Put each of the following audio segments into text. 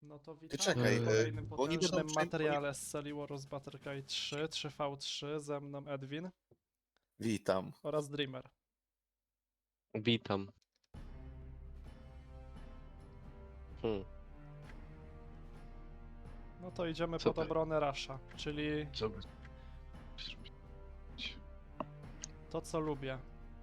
No to Ty witamy czekaj, w kolejnym bo oni będą potężnym materiale z serii Warus Battle 3, 3v3, ze mną Edwin Witam. oraz Dreamer. Witam. Hmm. No to idziemy Co pod to- obronę Rasha, czyli Co by... to co lubię.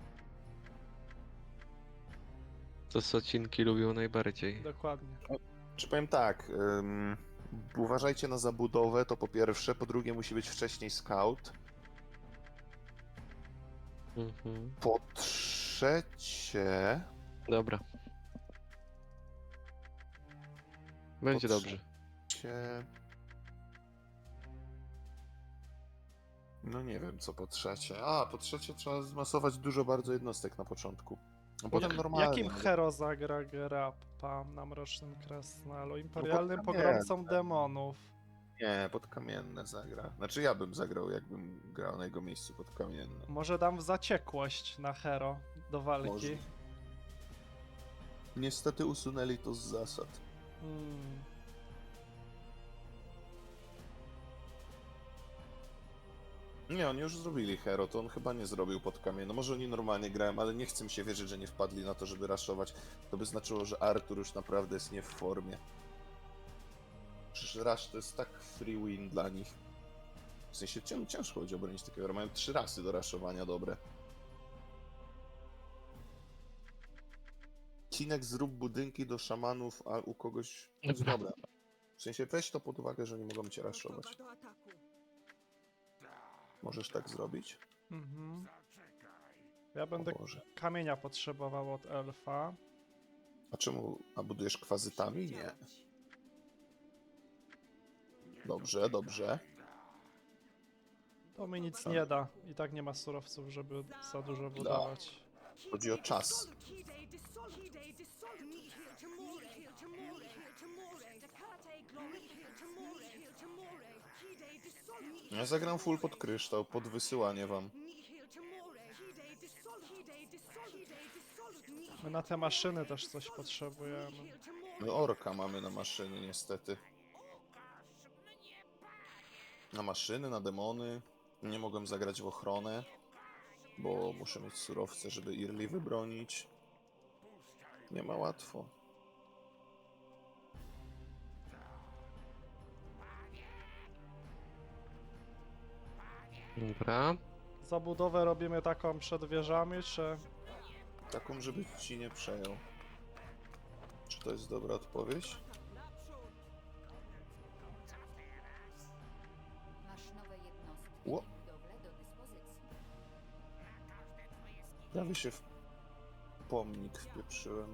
To Socinki lubią najbardziej. Dokładnie. Czy powiem tak, uważajcie na zabudowę, to po pierwsze, po drugie musi być wcześniej scout, Mhm. po trzecie... Dobra. Będzie Po dobrze. trzecie... No nie wiem co po trzecie. A, po trzecie trzeba zmasować dużo bardzo jednostek na początku. A potem normalnie. Jakim hero zagra Grappa na Mrocznym Krasnalu? Imperialnym pod pogromcą kamieniem. demonów. Nie, pod kamienne zagra. Znaczy ja bym zagrał, jakbym grał na jego miejscu pod kamienne. Może dam w zaciekłość na hero do walki. Może. Niestety usunęli to z zasad. Hmm. Nie, oni już zrobili hero, to on chyba nie zrobił pod kamień. No może oni normalnie grają, ale nie chcę mi się wierzyć, że nie wpadli na to, żeby raszować. To by znaczyło, że Artur już naprawdę jest nie w formie. Przecież rush to jest tak free win dla nich. W sensie ciężko będzie obronić takiego hero. Mają 3 rasy do raszowania dobre. Cinek, zrób budynki do szamanów, a u kogoś... Dobra. Dobra. W sensie weź to pod uwagę, że nie mogą cię raszować. Możesz tak zrobić? Mhm. Ja będę O Boże. kamienia potrzebował od elfa. A czemu? A budujesz kwazytami? Nie. Dobrze, dobrze. To mi nic nie da. I tak nie ma surowców, żeby za dużo budować. Chodzi o czas. Ja zagram full pod kryształ, pod wysyłanie wam. My na te maszyny też coś potrzebujemy. My orka mamy na maszyny niestety. Na maszyny, na demony. Nie mogłem zagrać w ochronę, bo muszę mieć surowce, żeby Irli wybronić. Nie ma łatwo. Dobra. Zabudowę robimy taką przed wieżami, czy... Taką, żeby ci nie przejął. Czy to jest dobra odpowiedź? Masz nowe jednostki i Ło. budowle do dyspozycji. Prawie się w pomnik wpieprzyłem.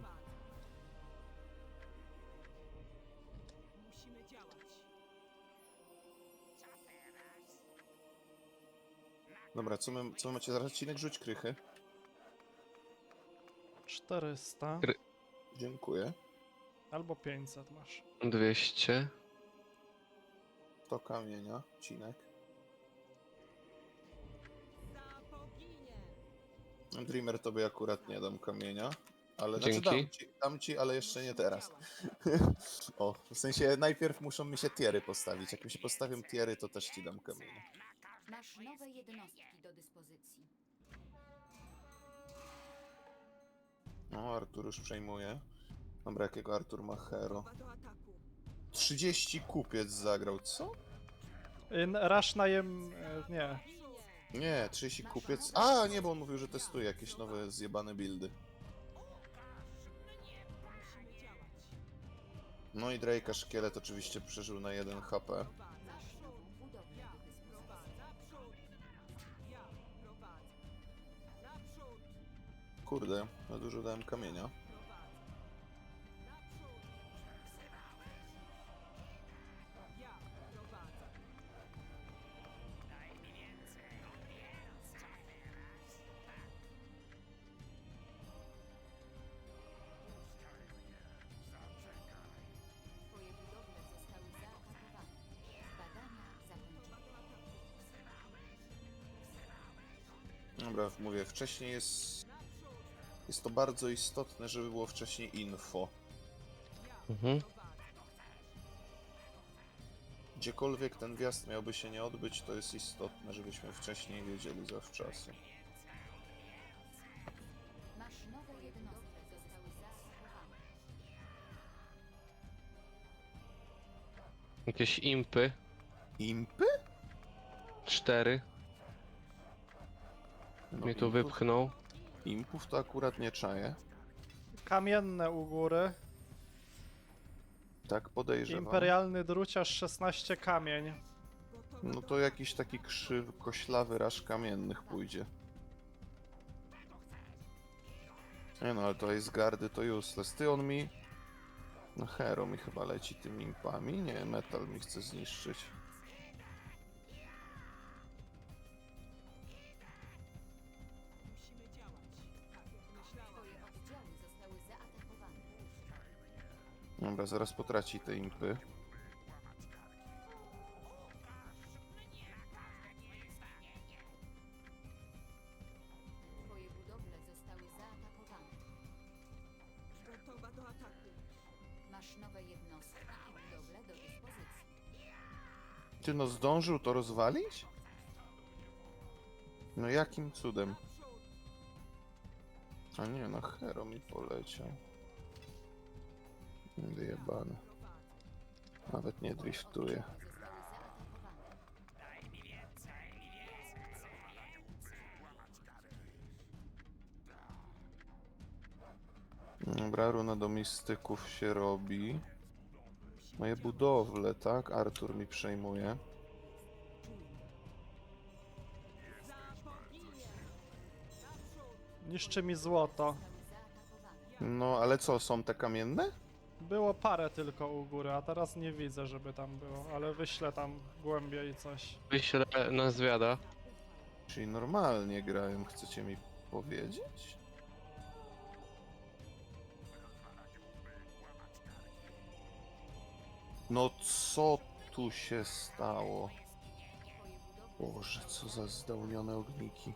Dobra, co my macie zaraz? Cinek, rzuć krychy. 400 Dziękuję. albo 500 masz. 200. To kamienia, Cinek. Dreamer tobie akurat nie dam kamienia. Ale znaczy Dzięki. dam ci, ale jeszcze nie teraz. O, w sensie najpierw muszą mi się tiery postawić. Jak mi się postawią tiery, to też ci dam kamienia. Masz nowe jednostki do dyspozycji. No, Artur już przejmuje. Dobra, jakiego Artur ma hero? 30 kupiec zagrał, co? Rush najem... nie. Nie, 30 kupiec. A, nie, bo on mówił, że testuje jakieś nowe zjebane buildy. No i Drake'a szkielet oczywiście przeżył na 1 HP. Masz nową budowlę do dyspozycji. Kurde, na dużo dałem kamienia. Twoje budowle zostały zaatakowane. Badania zakończone. Dobra, mówię, wcześniej jest... Jest to bardzo istotne, żeby było wcześniej info. Mhm. gdziekolwiek ten wjazd miałby się nie odbyć, to jest istotne, żebyśmy wcześniej wiedzieli zawczasu. Maszynowe jednostki zostały zaatakowane. Jakieś impy. Impy? 4. No, Mnie tu impów- wypchnął. Impów to akurat nie czaję. Kamienne u góry. Tak podejrzewam. Imperialny druciarz 16 kamień. No to jakiś taki koślawy raż kamiennych pójdzie. Nie no, ale to jest gardy, to useless. Ty on mi... No hero mi chyba leci tymi impami. Nie, metal mi chce zniszczyć. Twoje oddziały zostały zaatakowane. Dobra, zaraz potraci te impy. Twoje budowle zostały zaatakowane. Gotowa do ataku. Masz nowe jednostki i budowle do dyspozycji. Ty no zdążył to rozwalić? No jakim cudem? Naprzód! A nie, no hero mi poleciał. Wyjebany. Nawet nie driftuje. Zostały zaatakowane. Dobra, runa do mistyków się robi. Moje budowle, tak? Artur mi przejmuje. Za boginię! Naprzód! Niszczy mi złoto. Zostały zaatakowane. No, ale co, są te kamienne? Było parę tylko u góry, a teraz nie widzę, żeby tam było, ale wyślę tam głębiej coś. Wyślę na zwiada. Czyli normalnie grają, chcecie mi powiedzieć? No co tu się stało? Twoje budowle Boże, co za zdołnione ogniki.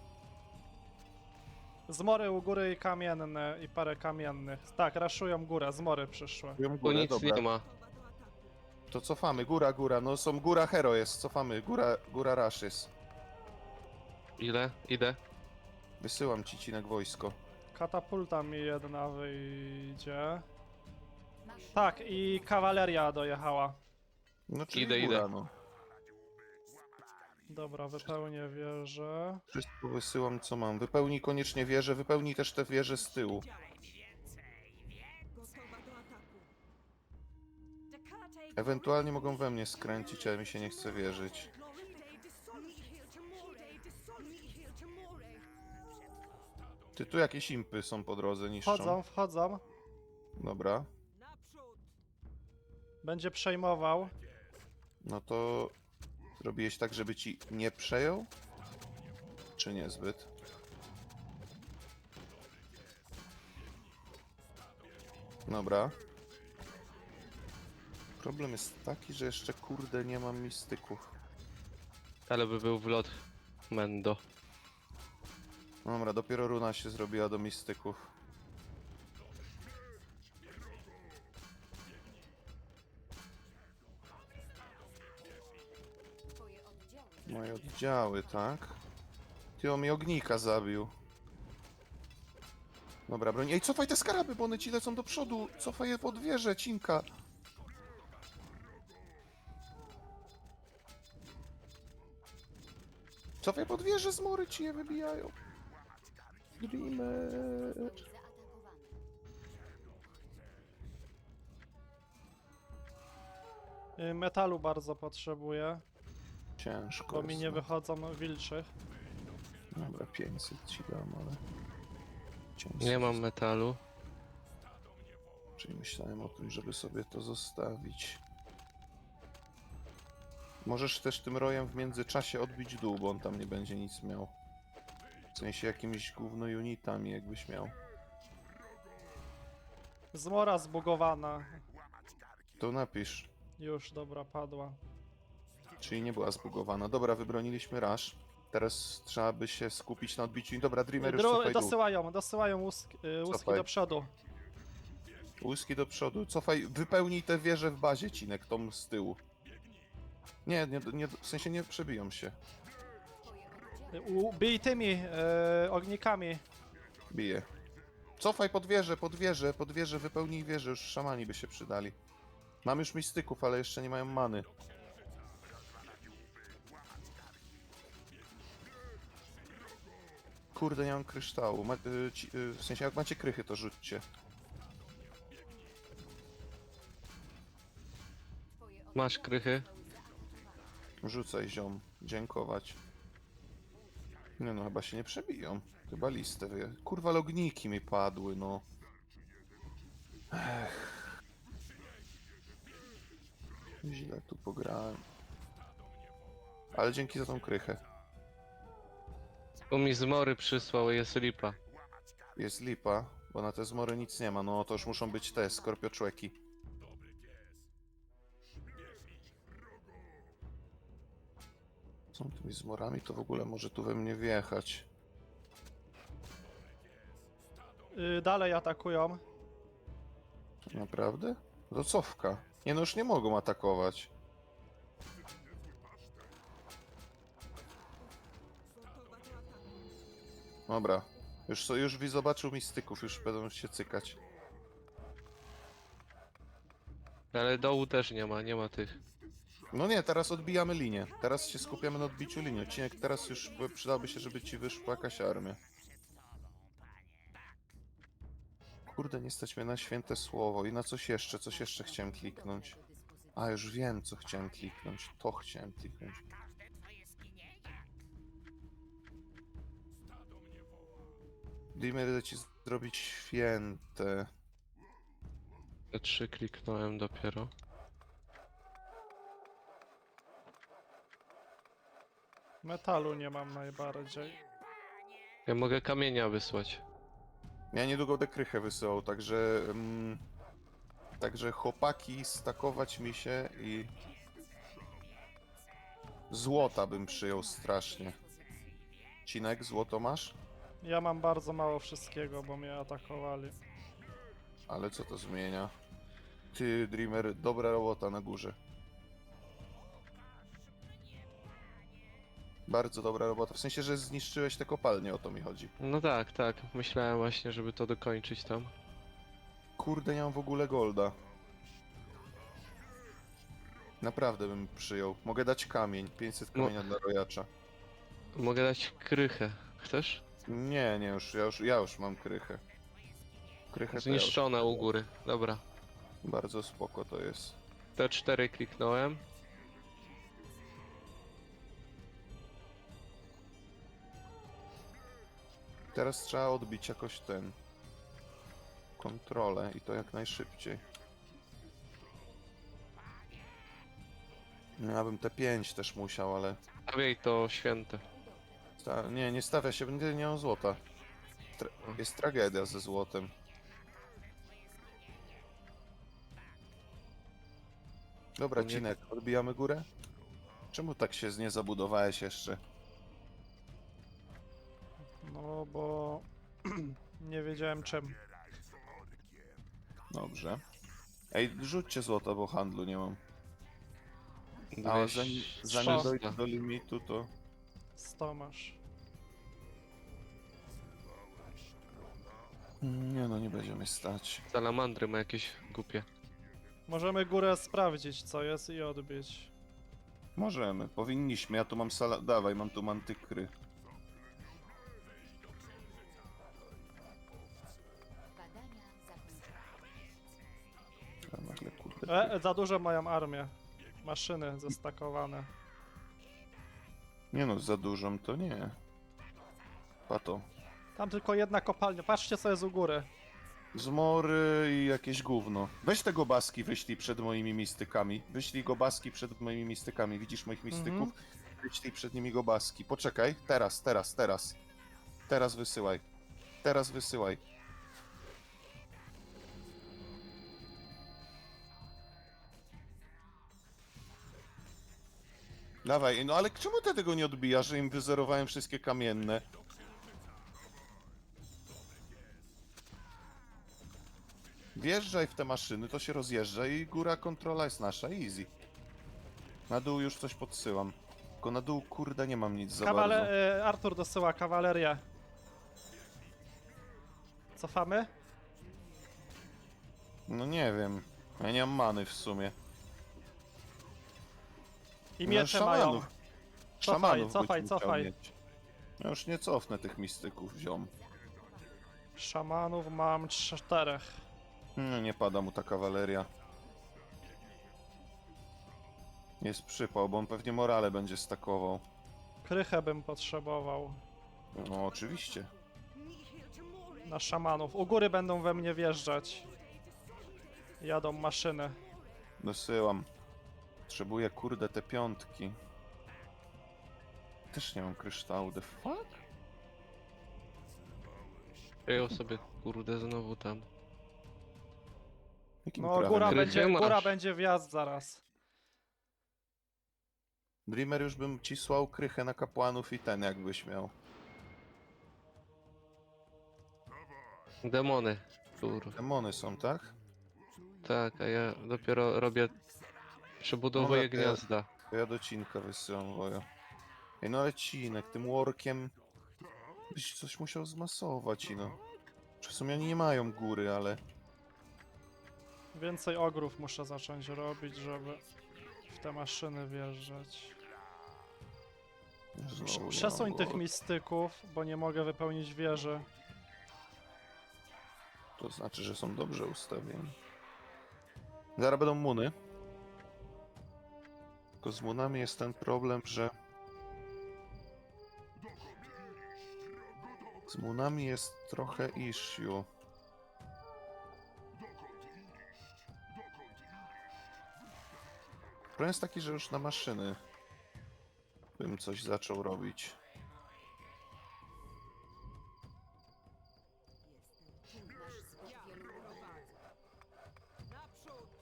Zmory u góry i kamienne, i parę kamiennych. Tak, raszują górę, zmory przyszły. Wiem Tu górę, nic dobra. nie ma. Gotowa do ataku. To cofamy, góra, góra, no są góra hero jest, cofamy, góra rush jest. Ile? Idę. Wysyłam ci cinek wojsko. Katapulta mi jedna wyjdzie. Masz Tak, i kawaleria dojechała. No czyli Idę, góra, idę. no. Dobra, wypełnię wieżę. Wszystko wysyłam co mam. Wypełnij koniecznie wieżę, wypełnij też te wieże z tyłu. Gotowa do ataku. Ewentualnie mogą we mnie skręcić, ale mi się nie chce wierzyć. Ty tu jakieś impy są po drodze, niszczą. Wchodzą. Dobra. Naprzód! Będzie przejmował. No to zrobiłeś tak, żeby ci nie przejął? Czy niezbyt? Dobra. Problem jest taki, że jeszcze kurde nie mam mistyków. Ale by był wlot Mendo. Dobra, dopiero runa się zrobiła do mistyków. Twoje oddziały Moje oddziały, tak? Ty on mi ognika zabił. Dobra, broń. Ej, cofaj te skaraby, bo one ci lecą do przodu. Cofaj je pod wieżę, cinka. Cofaj pod wieżę, zmory ci je wybijają. Dreamer. zostały zaatakowane. Metalu bardzo potrzebuję, Ciężko bo mi jest, nie no. wychodzą wilczych. Dobra, 500 ci dam, ale... ciężko Nie mam jest. metalu. Czyli myślałem o tym, żeby sobie to zostawić. Możesz też tym rojem w międzyczasie odbić dół, bo on tam nie będzie nic miał. W sensie jakimiś gówno unitami jakbyś miał. Zmora zbugowana. To napisz. Już, dobra, padła. Czyli nie była zbugowana. Dobra, wybroniliśmy rush. Teraz trzeba by się skupić na odbiciu. Dobra, Dreamer już cofaj dół. Dosyłają łuski Cofaj. do przodu. Łyski do przodu. Cofaj, wypełnij tę wieżę w bazie, Cinek, tą z tyłu. Nie, w sensie nie przebiją się. Bij tymi ognikami. Bije. Cofaj pod wieżę, wypełnij wieżę, już szamani by się przydali. Mam już mistyków, ale jeszcze nie mają many. Kurde, nie mam kryształu. W sensie, jak macie krychy, to rzućcie. Masz krychy? Rzucaj, ziom. Dziękować. Nie no, chyba się nie przebiją. Chyba listę wyje. Kurwa, logniki mi padły, no. Ech. Źle tu pograłem. Ale dzięki za tą krychę. Tu mi zmory przysłał, jest lipa. Jest lipa, bo na te zmory nic nie ma. No to już muszą być te skorpioczłeki. Są tymi zmorami, to w ogóle może tu we mnie wjechać. Dalej atakują. Naprawdę? To cofka. Nie no, już nie mogą atakować. Gotować do ataku. Dobra. Już zobaczył mistyków, już będą się cykać. Ale dołu też nie ma tych. No nie, teraz odbijamy linię. Teraz się skupiamy na odbiciu linii. Odcinek teraz już przydałoby się, żeby ci wyszła jakaś armia. Kurde, nie stać mnie na święte słowo. I na coś jeszcze chciałem kliknąć. A, już wiem, co chciałem kliknąć. To chciałem kliknąć. Dimmer, da ci zrobić święte. Te 3 kliknąłem dopiero. Metalu nie mam najbardziej. Ja mogę kamienia wysłać. Ja niedługo dekrychę wysyłał, także... także chłopaki, stakować mi się i... Złota bym przyjął strasznie. Cinek, złoto masz? Ja mam bardzo mało wszystkiego, bo mnie atakowali. Ale co to zmienia? Ty, Dreamer, dobra robota na górze. Bardzo dobra robota, w sensie, że zniszczyłeś te kopalnie, o to mi chodzi. No tak, tak. Myślałem właśnie, żeby to dokończyć tam. Kurde, nie mam w ogóle golda. Naprawdę bym przyjął. Mogę dać kamień, 500 No. kamienia dla rojacza. Mogę dać krychę. Chcesz? Nie, ja już mam krychę. Krychę to ja już... Zniszczone u góry. Dobra. Bardzo spoko to jest. Te 4 kliknąłem. Teraz trzeba odbić jakoś kontrolę i to jak najszybciej. No, ja bym te 5 też musiał, ale... Stawiaj to święte. Nie stawia się, nie mam złota. Jest tragedia ze złotem. Dobra, Nie- Cinek, odbijamy górę? Czemu tak się nie zabudowałeś jeszcze? No bo nie wiedziałem czym. Dobrze. Ej, rzućcie złota, bo handlu nie mam. A zanim dojdę do limitu, to... 100 masz. Nie no, nie będziemy stać. Salamandry ma jakieś głupie. Możemy górę sprawdzić co jest i odbić. Możemy, powinniśmy. Ja tu mam Dawaj, mam tu mantykry. Badania zakończone. A nagle, kurde. Za dużo mają armię. Maszyny zestakowane. Nie no, za dużą to nie. Pato. Tam tylko jedna kopalnia. Patrzcie co jest u góry. Zmory i jakieś gówno. Weź te gobaski, wyślij przed moimi mistykami. Wyślij gobaski przed moimi mistykami. Widzisz moich mistyków? Wyślij przed nimi gobaski. Poczekaj. Teraz. Teraz wysyłaj. Teraz wysyłaj. Dawaj, no ale czemu ty tego nie odbijasz, że im wyzerowałem wszystkie kamienne? Wjeżdżaj w te maszyny, to się rozjeżdża i góra kontrola jest nasza, easy. Na dół już coś podsyłam. Tylko na dół, kurde, nie mam nic za bardzo. Artur dosyła kawalerię. Cofamy? No nie wiem. Ja nie mam many w sumie. I No, miecze mają. szamanów. Cofaj, Szamanów cofaj, byś musiał cofaj. mieć. Ja już nie cofnę tych mistyków, ziom. Szamanów mam 4. No nie pada mu ta kawaleria. Jest przypał, bo on pewnie morale będzie stakował. Krychę bym potrzebował No oczywiście. na szamanów. U góry będą we mnie wjeżdżać. Jadą maszyny. Dosyłam. Potrzebuję, kurde, te piątki. Też nie mam kryształu, the fuck? Przejął sobie, kurde, znowu tam. Jakim No prawem? góra Gry będzie, nie masz. góra będzie wjazd zaraz. Dreamer już bym ci słał krychę na kapłanów i ten jakbyś miał. Demony. Kurwa. Demony są, tak? Tak, a ja dopiero robię... Przebudowuję Dobra, to ja- gniazda. To ja do Cinka wysyłam wojo. Ej, no ale Cinek, tym workiem byś coś musiał zmasować, no. W sumie oni nie mają góry, ale... Więcej ogrów muszę zacząć robić, żeby w te maszyny wjeżdżać. Znowu nie Przesuń mam tych góry. mistyków, bo nie mogę wypełnić wieży. To znaczy, że są dobrze ustawieni. Zaraz będą muny. Tylko z munami jest ten problem, że... Z munami jest trochę issue. Problem jest taki, że już na maszyny bym coś zaczął robić. Nasz zbyt wielu ludzi. Naprzód!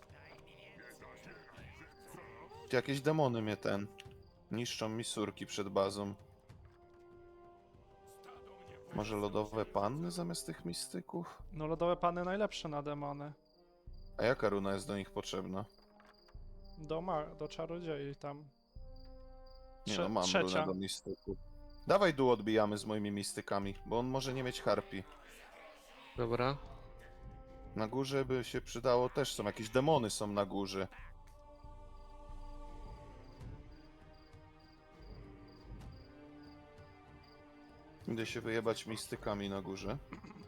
Jakieś demony mnie niszczą mi surki przed bazą. Może lodowe panny zamiast tych mistyków? No lodowe pany najlepsze na demony. A jaka runa jest do nich potrzebna? Do czarodziei tam. Nie no, mam Trzecia. runę do mistyków. Dawaj dół odbijamy z moimi mistykami, bo on może nie mieć harpi. Dobra. Na górze by się przydało, też są jakieś demony są na górze. Idę się wyjebać mistykami na górze.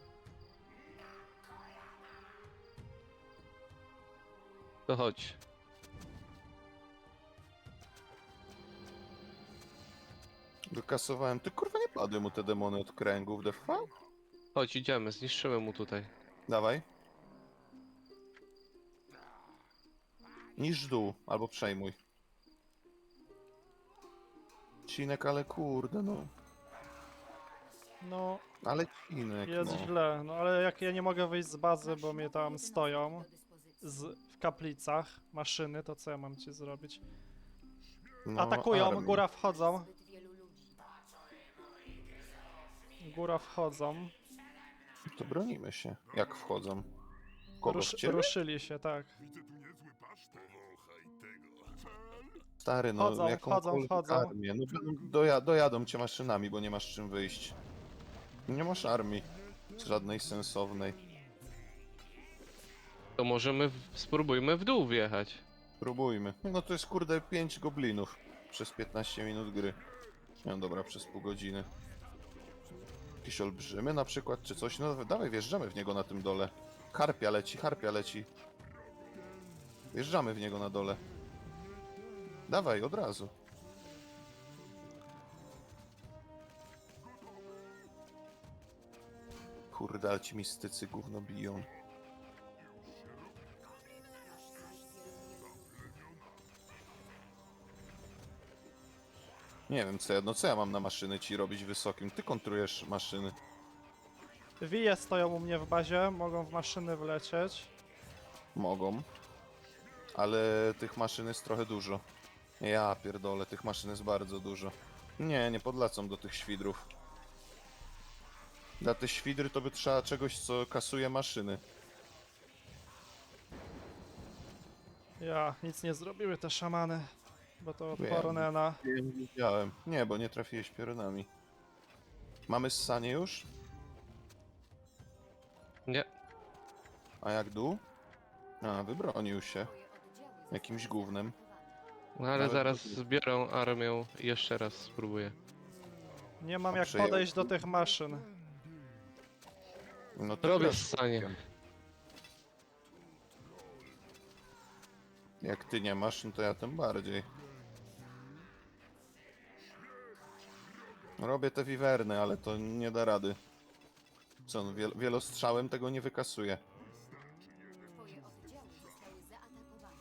To chodź. Wykasowałem. Ty kurwa nie padły mu te demony od kręgów, the fuck? Chodź, idziemy, zniszczymy mu tutaj. Dawaj. Niż dół, albo przejmuj. Cinek, ale kurde, no. No Ale cinek, jest no. źle, no ale jak ja nie mogę wyjść z bazy, bo mnie tam stoją w kaplicach maszyny, to co ja mam ci zrobić? No, Atakują, armię. góra wchodzą, Zbyt wielu ludzi. góra wchodzą. To bronimy się. Jak wchodzą? Kogo w ciebie? Ruszyli się, tak. Stary, no Wchodzą, jakąkolwiek wchodzą. armię. No dojadą cię maszynami, bo nie masz czym wyjść. Nie masz armii. Żadnej sensownej. To możemy, spróbujmy w dół wjechać. Próbujmy. No to jest kurde 5 goblinów przez 15 minut gry. No dobra, przez pół godziny. Jakieś olbrzymy na przykład, czy coś? No dawaj, wjeżdżamy w niego na tym dole. Harpia leci, harpia leci. Wjeżdżamy w niego na dole. Dawaj, od razu. Kurde, ale ci mistycy gówno biją. Nie wiem, co ja mam na maszyny ci robić wysokim? Ty kontrujesz maszyny. Wije stoją u mnie w bazie, mogą w maszyny wlecieć. Mogą. Ale tych maszyn jest trochę dużo. Ja pierdolę, tych maszyn jest bardzo dużo. Nie podlecą do tych świdrów. Dla te świdry to by trzeba czegoś, co kasuje maszyny. Ja, nic nie zrobiły te szamany. Bo to Wiem. Pornena. Widziałem. Nie, bo nie trafiłeś piorunami. Mamy ssanie już? Nie. A jak dół? A, wybronił się. Jakimś gównem. No ale Nawet zaraz to- zbiorą armię i jeszcze raz spróbuję. Nie mam A jak przejął? podejść do tych maszyn. No to Robię grasz ssanie. szybkiem. Jak ty nie masz, no to ja tym bardziej. Robię te wiwerny, ale to nie da rady. Co, on wielostrzałem tego nie wykasuje. Twoje oddziały zostały zaatakowane.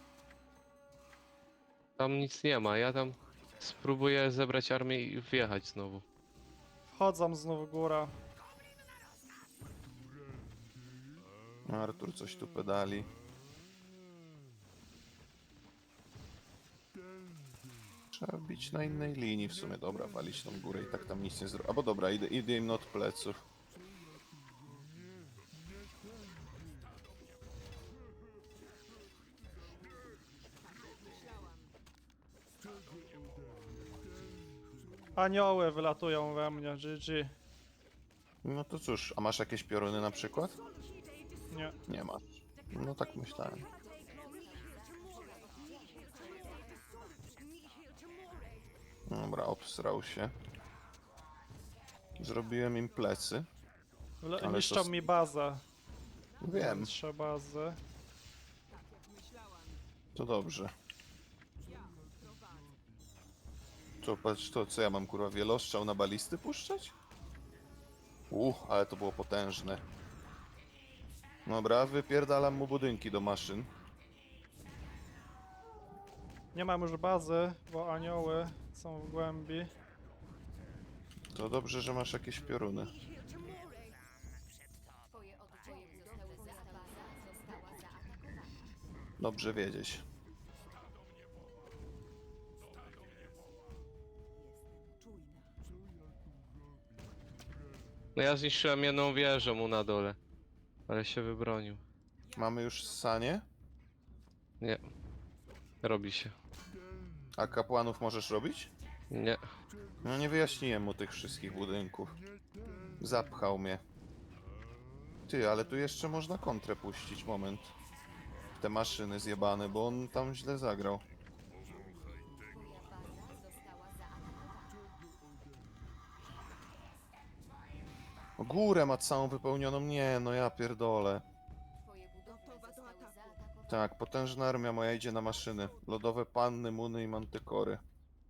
Tam nic nie ma, ja tam spróbuję zebrać armię i wjechać znowu. Wchodzą znów góra. Artur coś tu pedali. Trzeba bić na innej linii w sumie. Dobra, walić tą górę i tak tam nic nie zrobi. Albo dobra, idę im od pleców. Anioły wylatują we mnie, GG. No to cóż, a masz jakieś pioruny na przykład? Nie. Nie masz. No tak myślałem. Dobra, obsrał się. Zrobiłem im plecy. Ale Niszczą to- mi bazę. Wiem, 3 bazy. to dobrze. Co, patrz to, co ja mam kurwa, wielostrzał na balisty puszczać? Ale to było potężne. Dobra, wypierdalam mu budynki do maszyn. Nie mam już bazy, bo anioły są w głębi. To dobrze, że masz jakieś pioruny. Twoje oddziały zostały zaatakowane. Dobrze wiedzieć. No ja zniszczyłem jedną wieżę mu na dole. Ale się wybronił. Mamy już ssanie? Nie. Robi się. A kapłanów możesz robić? Nie. No nie wyjaśniłem mu tych wszystkich budynków. Zapchał mnie. Ty, ale tu jeszcze można kontrę puścić, moment. Te maszyny zjebane, bo on tam źle zagrał. Twoja baza została zaatakowana. Górę ma całą wypełnioną, nie, no ja pierdolę. Twoje budowle Gotowa do zostały ataku. zaatakowane. Tak, potężna armia moja idzie na maszyny. Lodowe panny, muny i mantykory.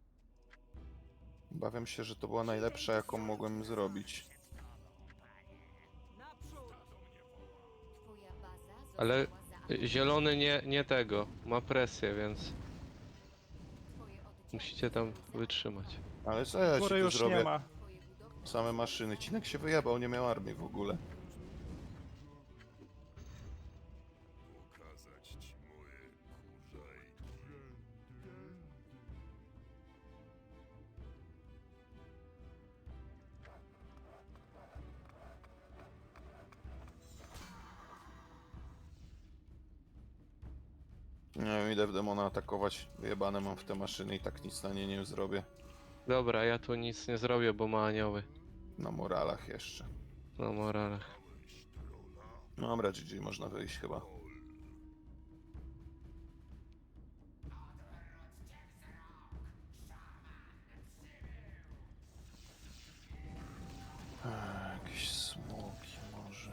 Obawiam się, że to była najlepsza, jaką mogłem zrobić. Naprzód! Twoja baza została Ale zaatakowana. zielony nie tego. Ma presję, więc Twoje oddziały musicie tam wytrzymać. Ale co ja ci Góry tu już zrobię? nie ma. Twoje budowle Same maszyny. Cinek się wyjebał, nie miał armii w ogóle. Nie wiem, idę w demona atakować. Wyjebane mam w te maszyny i tak nic na nie nie zrobię. Dobra, ja tu nic nie zrobię, bo ma anioły. Na moralach jeszcze. Na moralach. No dobra, GG, można wyjść chyba. Jakieś smoki może.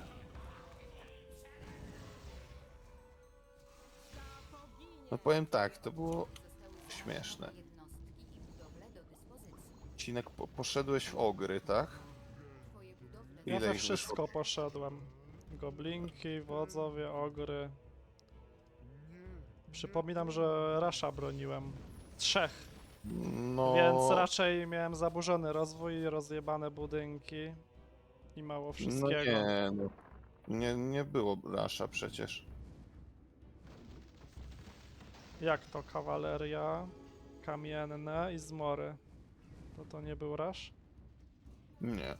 No powiem tak, to było śmieszne. jednostki i budowle do dyspozycji. Cinek, poszedłeś w ogry, tak? Twoje budowle Ja Ile we ich wszystko poszedłem. Goblinki, wodzowie, ogry. Przypominam, że Rasha broniłem. 3, No... więc raczej miałem zaburzony rozwój, rozjebane budynki i mało No wszystkiego. nie, no. Nie było Rasha przecież. Jak to kawaleria, kamienne i zmory? To nie był Rash? Nie.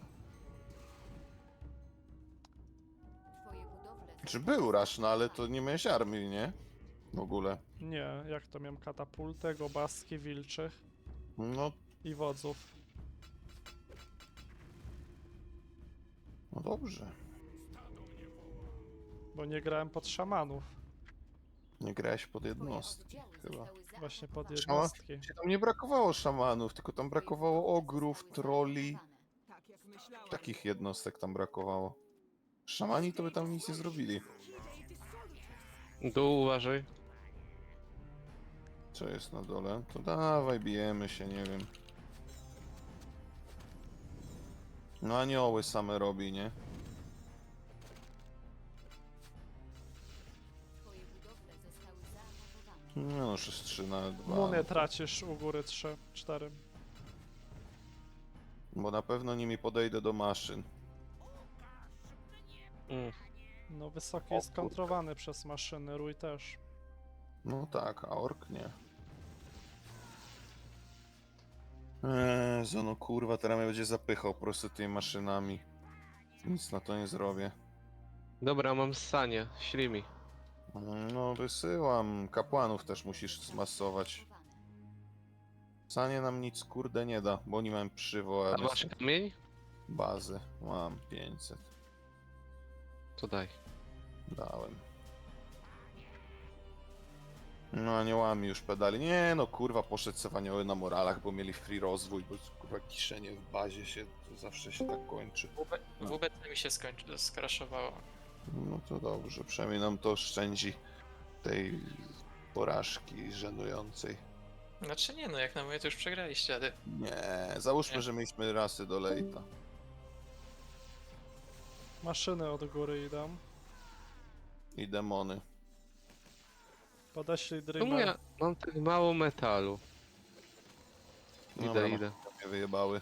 Twoje budowle Czy był Rash, no ale to nie miałeś armii, nie? W ogóle. Nie, jak to miałem katapultę, gobaski, wilczych No, i wodzów. no dobrze. Bo nie grałem pod szamanów. Nie grałeś pod Twoje jednostki oddziały chyba. zostały Właśnie pod Szama? jednostki. Tam nie brakowało szamanów, tylko tam brakowało ogrów, troli. Tak jak myślałam. Takich jednostek tam brakowało. Szamani to by tam nic nie zrobili. Dół uważaj. Co jest na dole? To dawaj, bijemy się, nie wiem. No anioły same robi, nie? Twoje budowle zostały zaatakowane. No już jest 3 na 2. Muny tracisz u góry 3, 4. Bo na pewno nimi podejdę do maszyn. Mm. No wysoki jest kontrowany przez maszyny, rój też. No tak, a ork nie. No kurwa, teraz mnie będzie zapychał po prostu tymi maszynami. Nic na to nie zrobię. Dobra, mam ssanie. Ślij mi. No wysyłam. Kapłanów też musisz zmasować. Sanie nam nic kurde nie da, bo oni mają A przywołane masz kamień? bazy. Mam 500. To daj. Dałem. No aniołami już pedali. Nie no kurwa, poszedł se w anioły na moralach, bo mieli free rozwój, bo kurwa kiszenie w bazie się, to zawsze się tak kończy. WBC mi się skraszowało. No to dobrze, przynajmniej nam to oszczędzi tej porażki żenującej. Znaczy nie no, jak na moje to już przegraliście, ale Nie, załóżmy, Nie. że mieliśmy rasy do lejta. Maszyny od góry idą. I demony. Podeślij Czemu Dreamer. ja mam tak mało metalu? Idę, Dobra, idę. mnie wyjebały.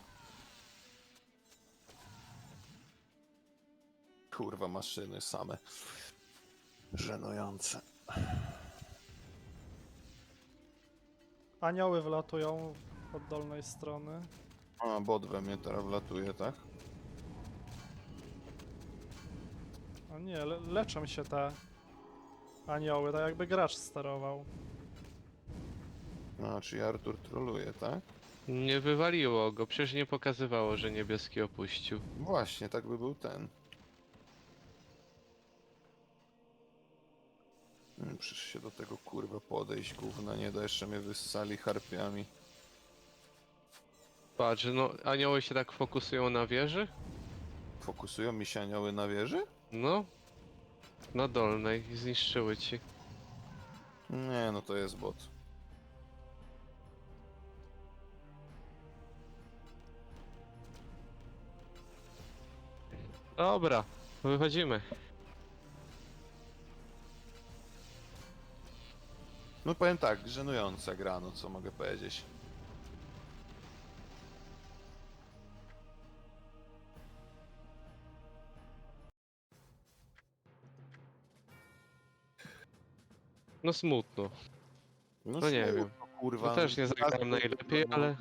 Kurwa, maszyny same. Żenujące. Anioły wlatują od dolnej strony. A, bot we mnie teraz wlatuje, tak? A nie, leczą się te anioły, tak jakby gracz sterował. A, czyli Artur troluje, tak? Nie wywaliło go, przecież nie pokazywało, że niebieski opuścił. Właśnie, tak by był ten. Przecież się do tego kurwa podejść, gówna nie da, jeszcze mnie wyssali harpiami. Patrz, no anioły się tak fokusują na wieży? Fokusują mi się anioły na wieży? No. Na dolnej i zniszczyły ci. Nie, no to jest bot. Dobra, wychodzimy. No powiem tak, żenująca gra, no co mogę powiedzieć. No smutno. No nie smutno, wiem. Kurwa, No też nie zagrałem najlepiej, ale...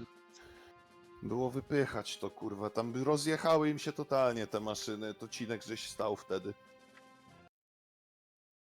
Było wypychać to kurwa, tam by rozjechały im się totalnie te maszyny, to Cinek żeś stał wtedy.